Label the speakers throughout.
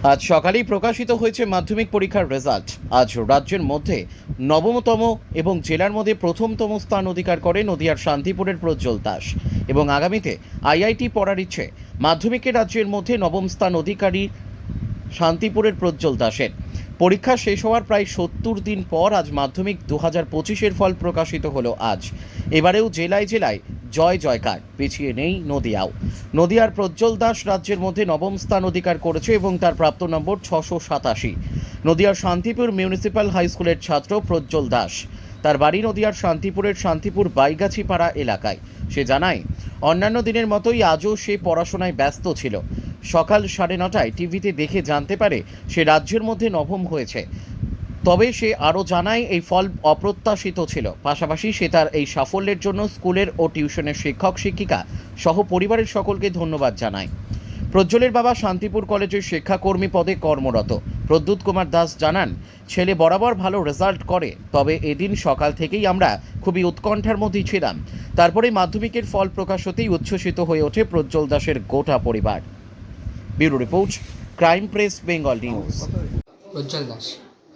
Speaker 1: আজ সকালেই প্রকাশিত হয়েছে মাধ্যমিক পরীক্ষার রেজাল্ট। আজ রাজ্যের মধ্যে নবমতম এবং জেলার মধ্যে প্রথমতম স্থান অধিকার করে নদিয়ার শান্তিপুরের প্রজ্জ্বল দাস এবং আগামীতে আইআইটি পড়ার ইচ্ছে। মাধ্যমিকে রাজ্যের মধ্যে নবম স্থান অধিকারী শান্তিপুরের প্রজ্জ্বল দাসের। পরীক্ষা শেষ হওয়ার প্রায় ৭০ দিন পর আজ মাধ্যমিক ২০২৫-এর ফল প্রকাশিত হলো আজ। এবারেও জেলায় জেলায় জয় জয়কার, পিছিয়ে নেই নদিয়াও। নদিয়ার প্রজ্জ্বল দাস রাজ্যের মধ্যে নবম স্থান অধিকার করেছে এবং তার প্রাপ্ত নম্বর ৬৮৭। নদিয়ার শান্তিপুর মিউনিসিপ্যাল হাই স্কুলের ছাত্র প্রজ্জ্বল দাস। তার বাড়ি নদিয়ার শান্তিপুরের শান্তিপুর বাইগাছিপাড়া এলাকায়। সে জানায়, অন্যান্য দিনের মতোই আজও সে পড়াশোনায় ব্যস্ত ছিল। সকাল ৯:৩০টায় টিভিতে দেখে জানতে পারে সে রাজ্যের মধ্যে নবম হয়েছে। তবে সে আরও জানায় এই ফল অপ্রত্যাশিত ছিল। পাশাপাশি সে তার এই সাফল্যের জন্য স্কুলের ও টিউশনের শিক্ষক শিক্ষিকা সহ পরিবারের সকলকে ধন্যবাদ জানায়। প্রজ্জ্বলের বাবা শান্তিপুর কলেজের শিক্ষাকর্মী পদে কর্মরত প্রদ্যুৎ কুমার দাস জানান, ছেলে বরাবর ভালো রেজাল্ট করে, তবে এদিন সকাল থেকেই আমরা খুবই উৎকণ্ঠার মধ্যেই ছিলাম। তারপরে মাধ্যমিকের ফল প্রকাশ হতেই উচ্ছ্বসিত হয়ে ওঠে প্রজ্জ্বল দাসের গোটা পরিবার। Bureau report, crime press, Bengal news.
Speaker 2: Prajjwal Das.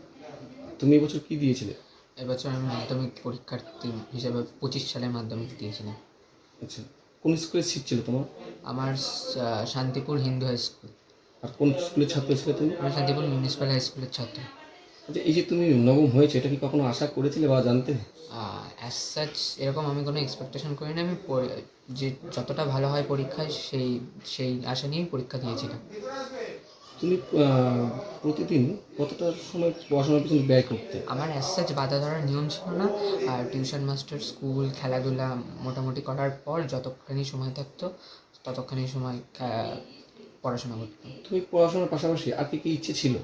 Speaker 3: তুমি এবছর কি দিয়েছিলে?
Speaker 2: এবছর আমি মাধ্যমিক পরীক্ষার্থী হিসেবে 25 সালে মাধ্যমিক দিয়েছিলাম।
Speaker 3: আচ্ছা, কোন স্কুলের সিট ছিল তোমার?
Speaker 2: আমার শান্তিপুর হিন্দু হাই স্কুল।
Speaker 3: আর কোন স্কুলের ছাত্র ছিলে তুমি?
Speaker 2: আমি শান্তিপুর মিউনিসিপ্যাল হাই স্কুলের ছাত্র।
Speaker 3: আচ্ছা, এই যে তুমি নবম হয়েছে, এটা কি কখনো আশা করেছিলে বা জানতে?
Speaker 2: অ্যাজ সাচ এরকম আমি কোনো এক্সপেকটেশন করিনি। আমি যে যতটা ভালো হয় পরীক্ষায় সেই আশা নিয়েই পরীক্ষা দিয়েছিলাম।
Speaker 3: তুমি প্রতিদিন কতটা সময় পড়াশোনার পিছনে ব্যয় করতে?
Speaker 2: আমার অ্যাজ সাচ বাধা ধরার নিয়ম ছিল না। আর টিউশন মাস্টার, স্কুল, খেলাধুলা মোটামুটি করার পর যতক্ষণই সময় থাকতো ততক্ষণই সময় পড়াশোনা করতাম।
Speaker 3: তুমি পড়াশোনার পাশাপাশি আর কি কি ইচ্ছে ছিল?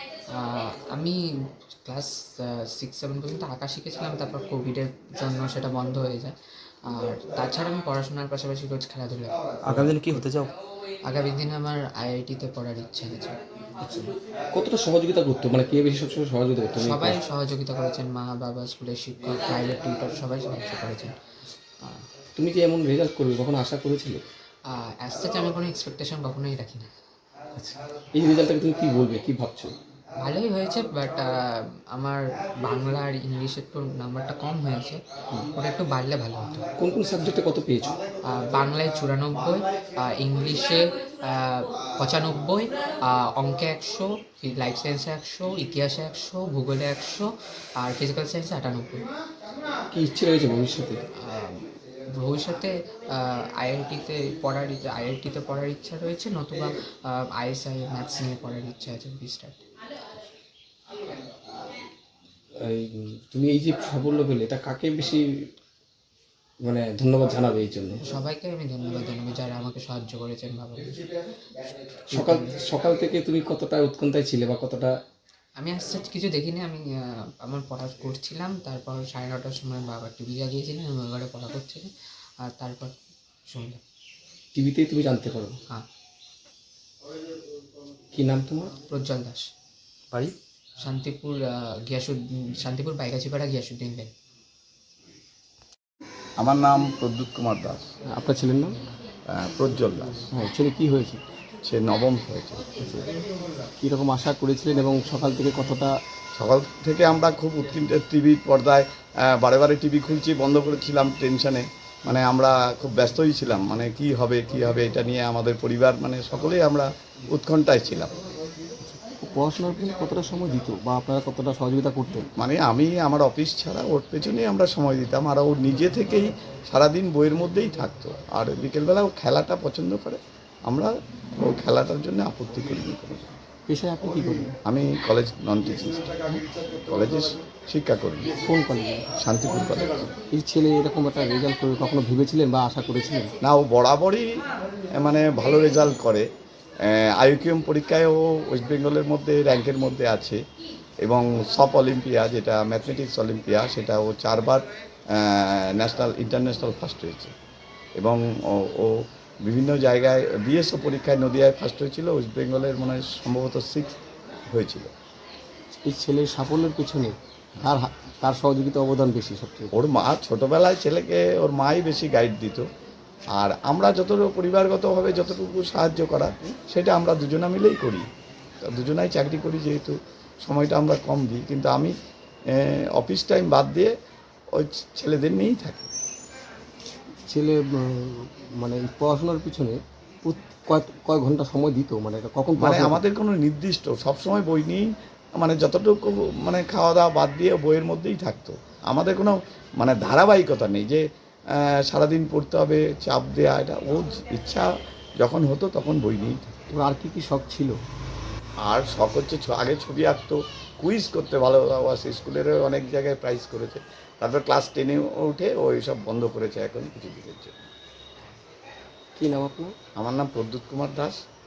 Speaker 2: আমি ক্লাস 6-7 পর্যন্ত আঁকা শিখেছিলাম, তারপর কোভিডের জন্য সেটা বন্ধ হয়ে যায়। আর তাছাড়া আমি পড়াশোনার পাশাপাশি রোজ খেলাধুলা।
Speaker 4: আগামী দিনে কি হতে চাও?
Speaker 2: আগামী দিনে আমার আইআইটিতে পড়ার ইচ্ছা আছে।
Speaker 3: আচ্ছা, কতটা সহযোগিতা করতো, মানে কে বেশি সবসময় সহযোগিতা করতো?
Speaker 2: সবাই সহযোগিতা করেছেন, মা বাবা, স্কুলের শিক্ষক, প্রাইভেট টিউটর সবাই সাহায্য করেছেন।
Speaker 3: তুমি যে এমন রেজাল্ট করবে কখনো আশা করেছিলে?
Speaker 2: অ্যাজ সাচ আমি কোনো এক্সপেকটেশন কখনোই রাখি না।
Speaker 3: আচ্ছা, এই রেজাল্টটাকে তুমি কি বলবে, কি ভাবছো?
Speaker 2: ভালোই হয়েছে, বাট আমার বাংলা আর ইংলিশে একটু নাম্বারটা কম হয়েছে, ওটা একটু বাড়লে ভালো হতো।
Speaker 3: কোন কোন সাবজেক্টে কত পেয়েছো?
Speaker 2: বাংলায় 94, ইংলিশে 95, অঙ্কে 100, লাইফ সায়েন্সে 100, ইতিহাসে 100, ভূগোলে 100 আর ফিজিক্যাল সায়েন্সে 98।
Speaker 3: কি ইচ্ছে রয়েছে ভবিষ্যতে?
Speaker 2: ভবিষ্যতে আইআইটিতে পড়ার ইচ্ছা রয়েছে, নতুবা আইএসআই ম্যাথস নিয়ে পড়ার ইচ্ছা আছে স্টার্ট।
Speaker 3: তুমি এই যে সাফল্য পেলে, এটা কাকে বেশি মানে ধন্যবাদ জানাবে এই জন্য?
Speaker 2: সবাইকে আমি ধন্যবাদ জানাবো যারা আমাকে সাহায্য করেছেন বাবা।
Speaker 3: সকাল সকাল থেকে তুমি কতটা উৎকণ্ঠায় ছিলে বা কতটা?
Speaker 2: আমি আজ কিছু দেখিনি। আমি আমার পড়া করছিলাম, তারপর 9:30টার সময় বাবা টিভি লাগিয়েছিলেন, আমি ওই ঘরে পড়া করছিলাম, আর তারপর শুনলাম।
Speaker 3: টিভিতেই তুমি জানতে পারো?
Speaker 2: হ্যাঁ।
Speaker 3: কি নাম তোমার?
Speaker 2: প্রজ্জ্বল দাস।
Speaker 4: বাড়ি?
Speaker 2: শান্তিপুর, শান্তিপুর বাইগাছিপাড়া গিয়াসুদ্দিন লেন।
Speaker 5: আমার নাম প্রদ্যুৎ কুমার দাস।
Speaker 3: আপনার ছেলের নাম?
Speaker 5: প্রজ্জ্বল দাস।
Speaker 3: হ্যাঁ, ছেলে কি হয়েছে?
Speaker 5: সে নবম হয়েছে।
Speaker 3: কীরকম আশা করেছিলেন এবং সকাল থেকে কতটা?
Speaker 5: সকাল থেকে আমরা খুব উৎকণ্ঠা, টিভির পর্দায় বারে বারে টিভি খুলছি, বন্ধ করেছিলাম টেনশনে। মানে আমরা খুব ব্যস্তই ছিলাম, মানে কি হবে এটা নিয়ে আমাদের পরিবার, মানে সকলেই আমরা উৎকণ্ঠায় ছিলাম।
Speaker 3: পড়াশোনার জন্য কতটা সময় দিত বা আপনারা কতটা সহযোগিতা করতেন?
Speaker 5: মানে আমি আমার অফিস ছাড়া ওর পেছনেই আমরা সময় দিতাম, আর ও নিজে থেকেই সারাদিন বইয়ের মধ্যেই থাকতো। আর বিকেলবেলা ও খেলাটা পছন্দ করে, আমরা ও খেলাটার জন্য আপত্তি করিনি কোনো।
Speaker 3: পেশায় আপনি কী করেন?
Speaker 5: আমি কলেজ নন টিচিং কলেজে শিক্ষা করি।
Speaker 3: কোন কলেজে?
Speaker 5: শান্তিপুর কলেজ।
Speaker 3: এই ছেলে এরকম একটা রেজাল্ট করে কখনো ভেবেছিলেন বা আশা করেছিলেন?
Speaker 5: না, ও বরাবরই মানে ভালো রেজাল্ট করে। আইকিউএম পরীক্ষায় ও ওয়েস্ট বেঙ্গলের মধ্যে র্যাঙ্কের মধ্যে আছে, এবং সব অলিম্পিয়া, যেটা ম্যাথমেটিক্স অলিম্পিয়া, সেটা ও 4বার ন্যাশনাল ইন্টারন্যাশনাল ফার্স্ট হয়েছে। এবং ও বিভিন্ন জায়গায় বিএসও পরীক্ষায় নদিয়ায় ফার্স্ট হয়েছিল, ওয়েস্ট বেঙ্গলের মনে হয় সম্ভবত 6 হয়েছিল।
Speaker 3: এই ছেলের সাফল্যের পেছনে তার সহযোগিতা অবদান বেশি সবচেয়ে?
Speaker 5: ওর মা ছোটোবেলায় ছেলেকে ওর মাই বেশি গাইড দিত, আর আমরা যতটুকু পরিবারগতভাবে যতটুকু সাহায্য করা, সেটা আমরা দুজনা মিলেই করি। দুজনাই চাকরি করি যেহেতু সময়টা আমরা কম দিই, কিন্তু আমি অফিস টাইম বাদ দিয়ে ওই ছেলেদের নিয়েই থাকি।
Speaker 3: ছেলে মানে এই পড়াশোনার পিছনে কয় ঘন্টা সময় দিত, মানে এটা কখন
Speaker 5: মানে
Speaker 3: পড়াশোনা
Speaker 5: আমাদের কোনো নির্দিষ্ট সবসময় বই নিয়েই, মানে যতটুকু মানে খাওয়া দাওয়া বাদ দিয়ে বইয়ের মধ্যেই থাকতো। আমাদের কোনো মানে ধারাবাহিকতা নেই যে সারাদিন পড়তে হবে, চাপ দেওয়া, এটা ও ইচ্ছা যখন হতো তখন বই নিয়েই থাকতো।
Speaker 3: করতো? আর কি শখ ছিল?
Speaker 5: আর শখ হচ্ছে আগে ছবি আঁকতো, কুইজ করতে ভালোবাসে, স্কুলেরও অনেক জায়গায় প্রাইজ করেছে। তারপর ক্লাস 10-এ উঠে ও এইসব বন্ধ করেছে এখন কিছু দিনের জন্য।
Speaker 3: কি নাম আপনার?
Speaker 5: আমার নাম প্রদ্যুৎ কুমার দাস।